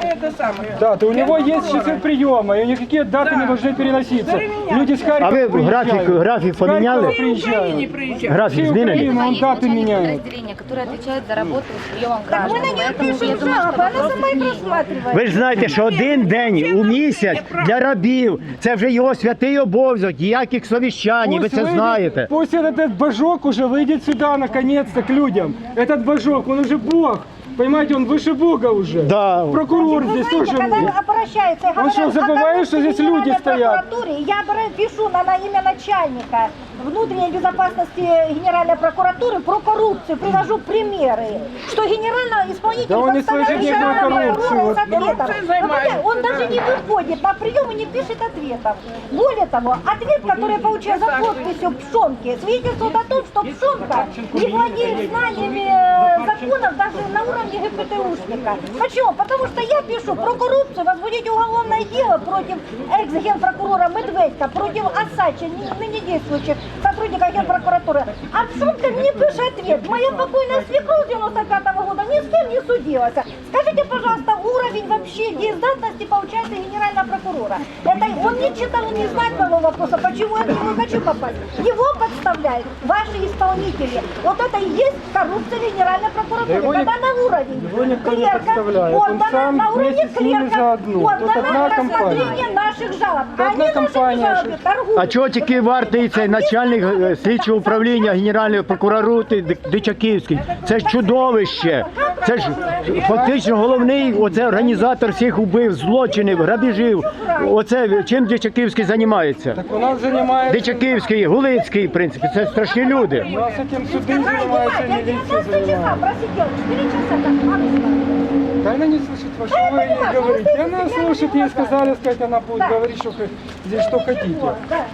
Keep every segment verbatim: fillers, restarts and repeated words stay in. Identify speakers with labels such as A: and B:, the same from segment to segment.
A: это самое.
B: Да, то у него есть часы приема, и никакие даты не должны переноситься. Люди с Харькова
C: А ви
B: приезжают.
C: графік, графік
B: С Харькова
C: поміняли?
B: приезжают.
A: приезжают.
C: Графік
B: Всей
C: змінений?
B: Украины он
D: Есть
B: даты
D: начальник
B: меняет.
D: подразделения, который отвечает за работу с приемом граждан.
E: Мы на нее
D: Поэтому я
E: пишем
D: думаю, что
E: жалобы, она
D: вопрос
E: сама их
D: изменит.
E: рассматривает.
C: Ви ж знаєте, що один день у місяць для рабів – це вже його святий обов'язок, ніяких совіщань, ви
B: Пусть
C: це
B: выйдет-
C: знаєте.
B: Пусть этот божок уже выйдет сюда наконец-то к людям. Этот божок, он уже Бог. Понимаете, он выше Бога уже.
C: Да.
B: Прокурор
E: Вы
B: здесь
E: знаете,
B: тоже.
E: когда
B: есть.
E: обращаются, и
B: Он
E: говорят,
B: что, забывает,
E: «А
B: что здесь
E: в
B: люди
E: Генеральной
B: стоят?»
E: прокуратуре я бра- пишу на, на имя начальника внутренней безопасности Генеральной прокуратуры про коррупцию, привожу примеры, что генеральный исполнитель
B: Да он не
E: подставляет
B: слышит
E: генерального
B: никакой
E: прокурора
B: коррупции.
E: с ответом.
A: Коррупцией
E: Ну,
A: занимается,
E: Он даже
A: да.
E: не выходит на прием и не пишет ответов. Более того, ответ, который получил за подписью Пшонки, свидетельствует о том, что Пшонка не владеет знаниями э, законов даже на уровне ГПТУшника. Почему? Потому что я пишу про коррупцию, возбудить уголовное дело против экс-генпрокурора Медведька, против Асача, ныне действующих сотрудников генпрокуратуры. А Пшонка мне пишет ответ. Моя покойная свекровь девяносто пятого года ни с кем не судилась. Скажите, пожалуйста, уровень вообще деездатности получается генерального прокурора. Это он не читал, он не знает моего вопроса, почему я к нему хочу попасть. Его подставляют ваши исполнители. Вот это и есть коррупция генеральной прокуратуры.
B: Да его
E: Когда
B: не-
E: на уровень
B: его никто не
E: клерка,
B: подставляет.
E: вот
B: Он
E: дана
B: сам
E: на уровне
B: вместе с ними
E: клерка,
B: заодно.
E: вот
B: Тут
E: дана
B: одна
E: рассмотрение
B: компания.
E: наших жалоб.
B: Тут
E: А
B: одна
E: они наши
B: компания,
E: жалобы торгуют.
C: А чого тільки вартий цей начальник е, слідчого управління Генеральної прокуратури Дичаківський? Це ж чудовище. Це ж фактично головний оце організатор всіх убивств, злочинів, грабежів. Оце чим Дичаківський займається?
B: Так у нас занимается...
C: Дичаківський, Гулицький, в принципі, це страшні люди.
B: У нас этим суды занимаются,
E: Я
B: милиция
E: девятнадцать часа
B: занимается.
E: просидела, четыре часа как мама.
B: Да она не слышит, во что вы ей говорите. Она слушает, ей сказали сказать, она будет говорить, что х- здесь что хотите.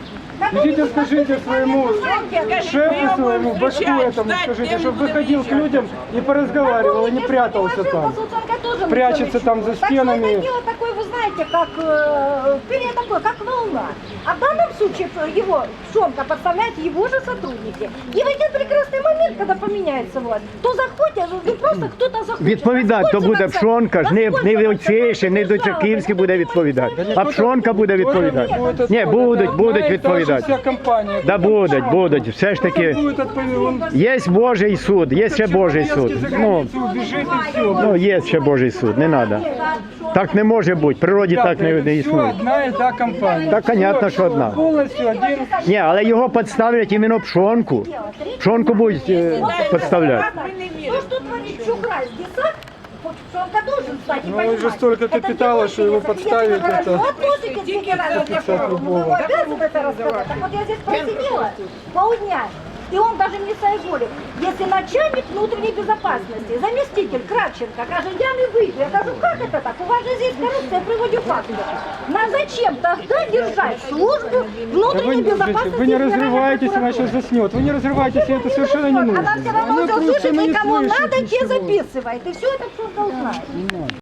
B: Идите скажите своему шефу, своему башку этому, скажите, чтобы выходил к людям и поразговаривал, и не прятался там. Прячется там за стенами.
E: Так что это дело такое, вы знаете, как э, перья такое, как волна. А в данном случае его Пшонка подставляет его же сотрудники. И в один прекрасный момент, когда поменяется власть, то заходят, ну просто кто-то заходит.
C: Відповідати то буде Пшонка, ж не, не Войцейший, не Дичаківський буде відповідати, а Пшонка буде відповідати. Ні, будуть, будуть відповідати.
B: Вся компания.
C: Да будуть, будуть, все ж таки.
B: Будет отповедь- он
C: Є Божий суд, є ще Божий суд. Ну,
B: убежит и все.
C: ну є ще Божий суд, не треба. Так не може бути, в природі так не, не
B: Все
C: існує.
B: одна і та компания.
C: Так, понятно,
B: Всё,
C: що одна.
B: Повністю один.
C: Ні, але його підставлять іменно Пшонку. Пшонку будуть е, підставляти.
E: Ну что творит Чухрай, десант? Пшонка должен стать и
B: Ну,
E: понимать.
B: уже столько
E: Это
B: капитала,
E: дело
B: что его
E: интересно.
B: подставить,
E: Если вы
B: это-
E: хорошо относитесь к генеральному прокурору, ну, вы обязаны это рассказать. Так вот я здесь просидела полдня, и он даже не соизволит. Если начальник внутренней безопасности, заместитель Кравченко, кажет, я не выйду, я говорю, как это так? У вас же здесь коррупция, я приводю факты. На зачем тогда держать службу
B: Да
E: внутренней
B: Вы,
E: безопасности?
B: вы не
E: Генеральной
B: разрываетесь, она
E: прокуратуры?
B: сейчас заснет. Вы не разрывайтесь, ей это совершенно не нужно.
E: Она все равно
B: Она
E: все
B: просто
E: услышит,
B: не
E: и кому
B: слышит
E: надо, те
B: ничего.
E: записывает. И все это Пшонка узнает.